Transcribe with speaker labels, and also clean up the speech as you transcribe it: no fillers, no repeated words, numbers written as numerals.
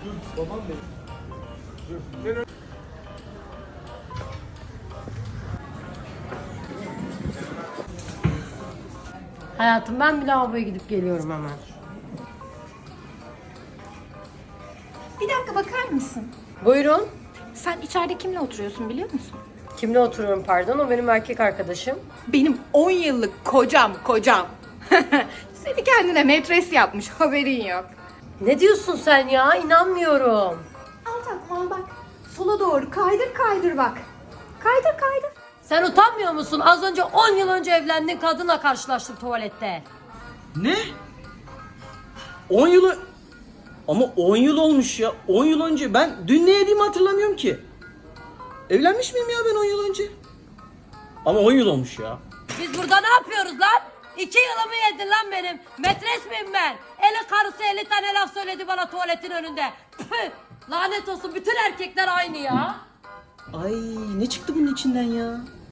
Speaker 1: Babam benim. Dur.
Speaker 2: Hayatım ben bir lavaboya gidip geliyorum hemen.
Speaker 3: Bir dakika bakar mısın?
Speaker 2: Buyurun.
Speaker 3: Sen içeride kimle oturuyorsun biliyor musun?
Speaker 2: Kimle oturuyorum pardon? O benim erkek arkadaşım.
Speaker 3: Benim 10 yıllık kocam. Seni kendine metres yapmış, haberin yok.
Speaker 2: Ne diyorsun sen ya? İnanmıyorum.
Speaker 3: Al tatlım al bak. Sola doğru kaydır bak. Kaydır.
Speaker 2: Sen utanmıyor musun? Az önce 10 yıl önce evlendiğin kadınla karşılaştım tuvalette.
Speaker 4: Ne? 10 yılı... Ama 10 yıl olmuş ya. 10 yıl önce. Ben dün ne yediğimi hatırlamıyorum ki. Evlenmiş miyim ya ben 10 yıl önce? Ama 10 yıl olmuş ya.
Speaker 2: Biz burada ne yapıyoruz lan? 2 yılımı yedin lan benim. Metres miyim ben? Eli karısı 50 tane laf söyledi bana tuvaletin önünde. Püh! Lanet olsun bütün erkekler aynı ya.
Speaker 4: Ay ne çıktı bunun içinden ya?